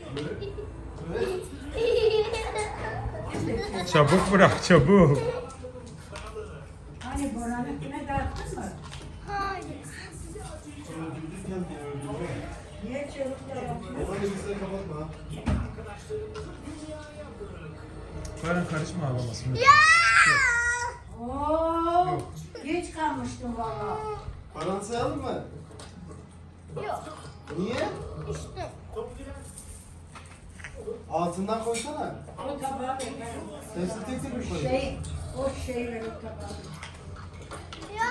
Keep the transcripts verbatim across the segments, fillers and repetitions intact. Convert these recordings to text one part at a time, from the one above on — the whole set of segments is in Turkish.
Çabuk bırak, çabuk. Hani Boran'ın güne dağıttın mı? Hayır. Niye çabuk dağıttın? Oranı bize kapatma. Baran karışma ağlamasın. Ya! Oo, geç kalmıştım valla. Paranı sayalım mı? Yok. Niye? İşte. Altından koysana. O tabağı beklerim. Hepsini tek tek mi koyayım? Şey, o şeyleri tabağı. Ya.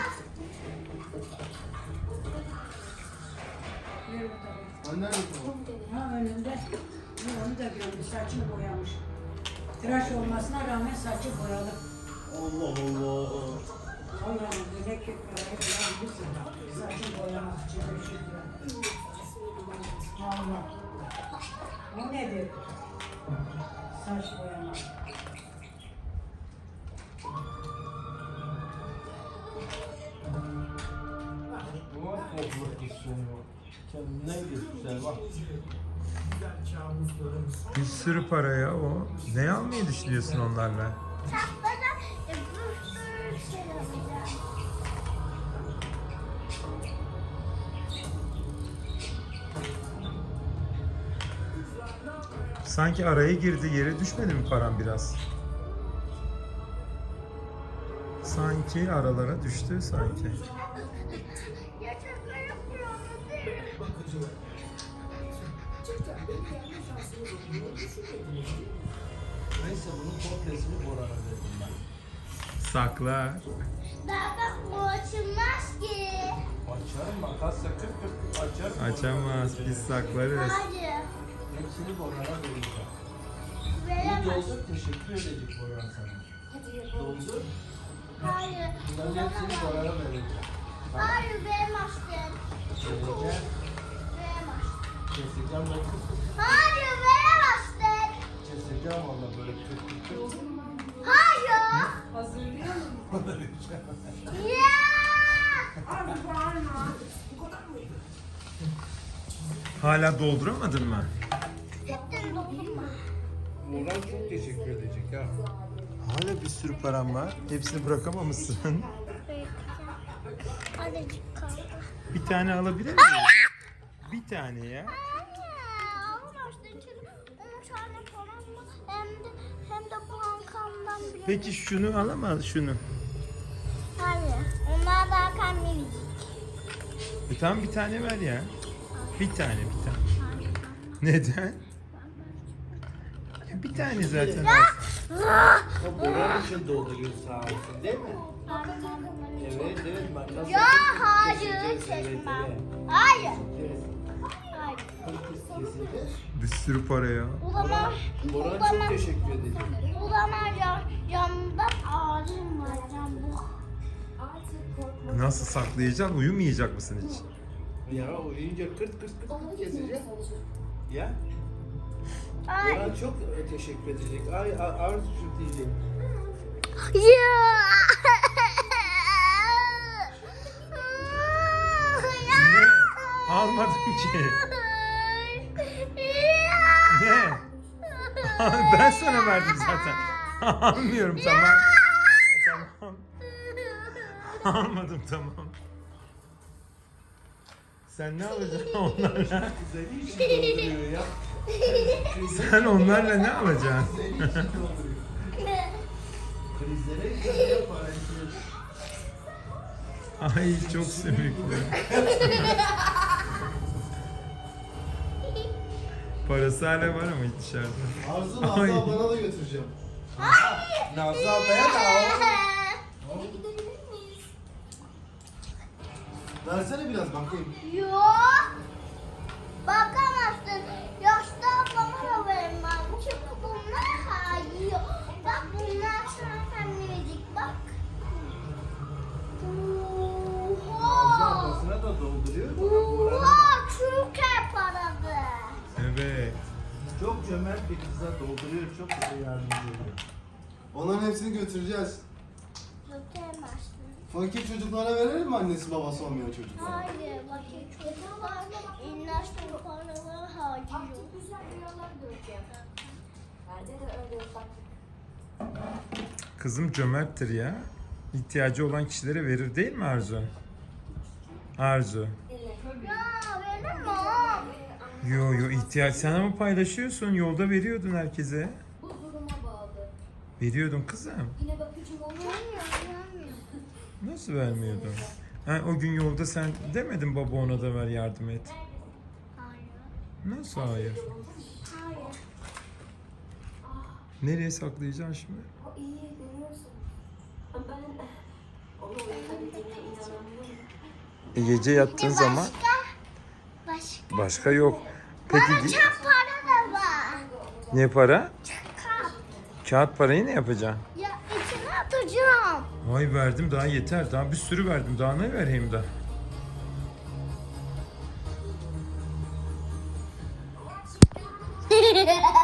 Ver o tabağı. Anne nerede bu? Ha önünde. Bu onu da gördü. Saçını boyamış. Tıraş olmasına rağmen saçı boyalı. Allah Allah. Allah'ım böyle ki parayı bulabilirsin. Saçı boyamak için beş yüz lira. Allah. O nedir? Saç boyamak. Bu var topluluk istiyorum. Kendine güzel bak. Bir sürü para ya o. Ne almayı düşünüyorsun onlarla? Çatlara e, bir sürü şey yapacağım. Sanki araya girdi, yere düşmedi mi param biraz? Sanki aralara düştü sanki. Ya şaka yapıyorum değil mi? Neyse bunun komplesini Boran'a verdim ben. Saklar. Daha bak bu açılmaz ki. Açarım makasla kırk kırk açarım. Açamaz, biz saklarız. Hayır. Hepsini Boran'a vereceğim. Bu Veremez. doldur teşekkür edecek Boran sana. Doldur. Hayır. Bunların hepsini Boran'a vereceğim. Hayır veremezsin. Vereceğim. Veremezsin. Keseceğim ben kırk kırk. Hayır veremezsin. Keseceğim valla böyle kırk kırk kırk. Hayır. Hazırlıyor musun? Ya. Abi bağırma. Hala dolduramadın mı? Gittin dokunma. Boran çok teşekkür edecek ha. Hala bir sürü param var. Hepsini bırakamamışsın. Azıcık kaldı. Bir tane alabilir miyim? Bir tane ya. Almazsın çünkü on tane falan var. Hem de, hem de bankamdan bile. Peki şunu alamaz şunu. Hayır. Onlar daha kalmayacak. E tamam bir tane ver ya. Bir tane bir tane. Neden? Ya bir tane zaten alsın. O Boran için dolduruyor sağ olsun değil mi? Evet evet makas. Ya hayır Keseceğiz, evet, seçmem. evet. Hayır. Kes. Hayır. Keseceğiz. Bir sürü para ya. O zaman, o Boran çok zaman, teşekkür edecek. o zaman ya, yanımda ağrım var. Can bu. Nasıl saklayacaksın? Uyumayacak mısın hiç? Ya uyuyunca kırt kırt kırt kırt kesecek. Ya Ay. Boran çok teşekkür edecek. Ay a- Arzucuğum diyecek. Ya. Ne? Almadım ki. Ne? Ben sana verdim zaten. Almıyorum tamam. Tamam. Almadım tamam. Sen ne alacaksın onlarla? Seni için dolduruyor ya. Sen onlarla ne alacaksın? Seni için dolduruyor. Krizlere gidiyor para için. Ay çok sümüklü. Parası hala var ama dışarıda. Arzu Nazlı Ay. ablana da götüreceğim. Nazlı ablaya da al. Versene biraz bakayım. Yok. Bakamazsın. Yaşlı ablama da vermem. Çünkü bunlar hayır. Bak bunlar sana minicik bak. Nazlı Oha. ablasına da dolduruyor. Boran'a da. Oha. Türkiye parası. Evet. Çok cömert bir kıza dolduruyor. Çok bize yardımcı oluyor. Onların hepsini götüreceğiz. Götüremezsin. Fakir çocuklara verelim mi annesi babası olmayan çocuklara? Hayır. Bakın çocuklar. İnlaştı paraları hayır. acıyor. Artık güzel rüyalar göreceğim. Bende de öyle ufaklık. Kızım cömerttir ya. İhtiyacı olan kişilere verir değil mi Arzu? Arzu. Ya benim o. Yo yo ihtiyaç. Sen ama paylaşıyorsun. Yolda veriyordun herkese. Bu duruma bağlı. Veriyordun kızım. Yine bakıcım olacak. Nasıl vermiyordun? Ha, o gün yolda sen demedin baba ona da ver yardım et. Hayır. Nasıl hayır? Hayır. Nereye saklayacaksın şimdi? O iyi görüyorsun. Ama ben onu uyutabildiğine inanamıyorum. E, gece yattığın zaman Başka? Başka. başka yok. Peki Bana gi- çap para da var. ne para? Kap. Kağıt parayı ne yapacaksın? Ya içine atacağım. Vay verdim daha yeter. Daha bir sürü verdim. Daha ne vereyim daha?